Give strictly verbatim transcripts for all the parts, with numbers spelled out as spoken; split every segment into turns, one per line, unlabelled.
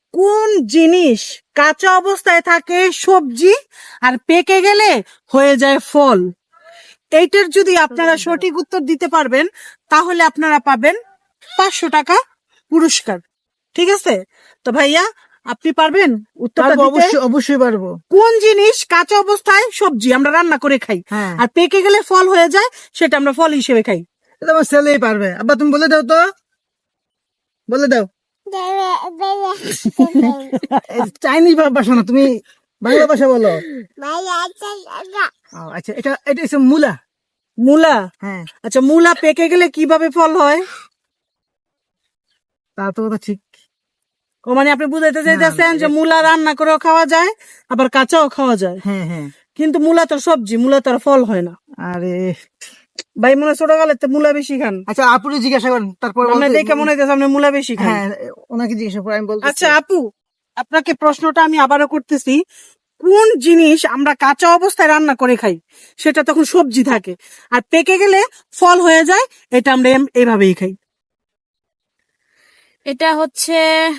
কোন জিনিস কাঁচা অবস্থায় থাকে সবজি আর পেকে গেলে হয়ে যায় ফল? এইটার যদি আপনারা সঠিক উত্তর দিতে পারবেন তাহলে আপনারা পাবেন পাঁচশো টাকা পুরস্কার। ঠিক আছে, তো ভাইয়া আপনি পারবেন উত্তরটা
পারবো,
দিতে?
অবশ্যই অবশ্যই পারবো।
কোন জিনিস কাঁচা অবস্থায় সবজি আমরা রান্না করে খাই
হ্যাঁ,
আর পেকে গেলে ফল হয়ে যায়, সেটা আমরা ফল হিসেবে খাই?
এটা আমার ছেলেই পারবে। আব্বা তুমি বলে দাও তো, বলে দাও। চাইনিজ ভাষা না, তুমি বাংলা ভাষা বলো। ও, আচ্ছা, এটা এটা হচ্ছে মূলা।
মূলা?
হ্যাঁ,
আচ্ছা, মূলা পেকে গেলে কিভাবে ফল হয়?
তা তো কথা ঠিক।
ও মানে আপনি বুঝাইতে
না,
চাইতেছেন
না,
যে
এটা-
মূলা রান্না করেও খাওয়া যায় আবার কাঁচাও খাওয়া যায়,
হ্যাঁ হ্যাঁ।
কিন্তু মূলা তো সবজি, মূলা তো আর ফল হয় না।
আরে,
ভাই মনে হয় ছোটকালে তো মূলা বেশি খান।
আচ্ছা আপুরে জিজ্ঞাসা করেন, তারপর
আপনার দেখে মনে হইতেছে আপনি মূলা বেশি খান।
হ্যাঁ, ওনাকে জিজ্ঞাসা করে আমি বলতে।
আচ্ছা আপু, আপনাকে প্রশ্নটা আমি আবারও করতেছি, কোন জিনিস আমরা কাঁচা অবস্থায় রান্না করে খাই সেটা তখন সবজি থাকে আর পেকে গেলে ফল হয়ে যায়, এটা আমরা এম- এইভাবেই খাই?
এটা হচ্ছে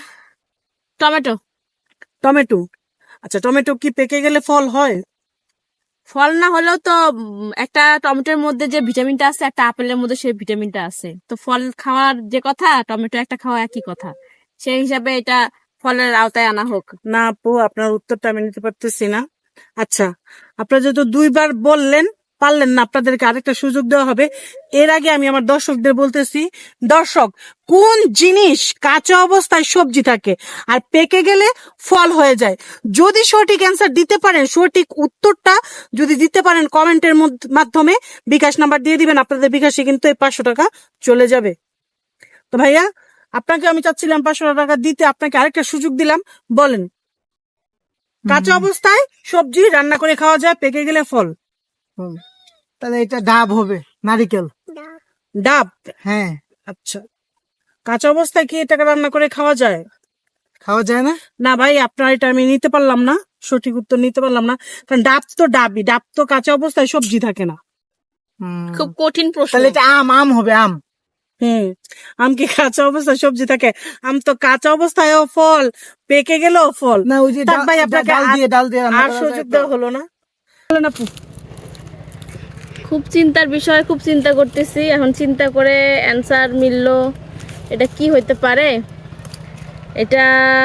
টমেটো।
টমেটো? আচ্ছা, টমেটো কি পেকে গেলে ফল হয়?
ফল না হলেও তো উম, একটা টমেটোর মধ্যে যে ভিটামিনটা আছে একটা আপেলের মধ্যে সেই ভিটামিনটা আছে, তো ফল খাওয়ার যে কথা টমেটো একটা খাওয়া একই কথা, সেই হিসাবে এটা ফলের আওতায় আনা হোক।
না আপু, আপনার উত্তরটা আমি নিতে পারতেছি না। আচ্ছা, আপনারা যেহেতু দুইবার বললেন, পারলেন না, আপনাদেরকে আরেকটা সুযোগ দেওয়া হবে। এর আগে আমি আমার দর্শকদের বলতেছি, দর্শক, কোন জিনিস কাঁচা অবস্থায় সবজি থাকে আর পেকে গেলে ফল হয়ে যায়? যদি সঠিক অ্যান্সার দিতে পারেন, সঠিক উত্তরটা যদি দিতে পারেন কমেন্টের মাধ্যমে বিকাশ নাম্বার দিয়ে দিবেন, আপনাদের বিকাশে কিন্তু এই পাঁচশো টাকা চলে যাবে। তো ভাইয়া, আপনাকে আমি চাচ্ছিলাম পাঁচশো টাকা দিতে, আপনাকে আরেকটা সুযোগ দিলাম, বলেন কাঁচা অবস্থায় সবজি রান্না করে খাওয়া যায়, পেকে গেলে ফল?
হুম, তাহলে এটা ডাব হবে, নারিকেল।
ডাব?
হ্যাঁ।
আচ্ছা, কাঁচা অবস্থায় কি এটাকে রান্না করে খাওয়া যায়?
খাওয়া যায় না।
না ভাই, আপনার এটা আমি নিতে পারলাম না, সঠিক উত্তর নিতে পারলাম না, কারণ ডাব তো ডাবই, ডাব তো কাঁচা অবস্থায় সবজি থাকে না।
হুম,
খুব কঠিন প্রশ্ন।
তাহলে এটা আম, আম হবে, আম।
হুম, আম কি কাঁচা অবস্থায় সবজি থাকে? আম তো কাঁচা অবস্থায়ও ফল, পেকে গেলেও ফল।
না, ওই যে
থাক
ডাল-
ভাই, আপনাকে
ডাল দিয়ে
আর-
ডাল দিয়ে রান্না
আর
করা যায়
সুযোগ
তো।
দেওয়া হলো না। বলেন আপু।
খুব চিন্তার বিষয়, খুব চিন্তা করতেছি, এখন চিন্তা করে অ্যান্সার মিললো। এটা কি হইতে পারে? এটা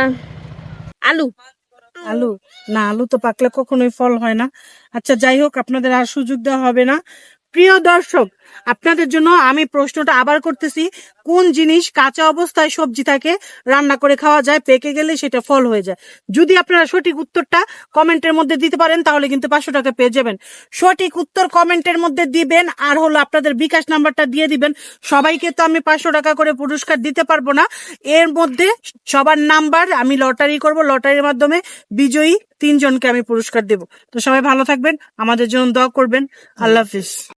আলু।
আলু? না, আলু তো পাকলে কখনোই ফল হয় না। আচ্ছা যাই হোক, আপনাদের আর সুযোগ দেওয়া হবে না। প্রিয় দর্শক, আপনাদের জন্য আমি প্রশ্নটা আবার করতেছি, কোন জিনিস কাঁচা অবস্থায় সবজি থাকে, রান্না করে খাওয়া যায়, পেকে গেলে সেটা ফল হয়ে যায়? যদি আপনারা সঠিক উত্তরটা কমেন্টের মধ্যে দিতে পারেন তাহলে কিন্তু পাঁচশো টাকা পেয়ে যাবেন। সঠিক উত্তর কমেন্টের মধ্যে দিবেন আর হলো আপনাদের বিকাশ নাম্বারটা দিয়ে দিবেন। সবাইকে তো আমি পাঁচশো টাকা করে পুরস্কার দিতে পারবো না, এর মধ্যে সবার নাম্বার আমি লটারি করব, লটারির মাধ্যমে বিজয়ী তিনজনকে আমি পুরস্কার দেব। তো সবাই ভালো থাকবেন, আমাদের জন্য দোয়া করবেন। আল্লাহ হাফিজ।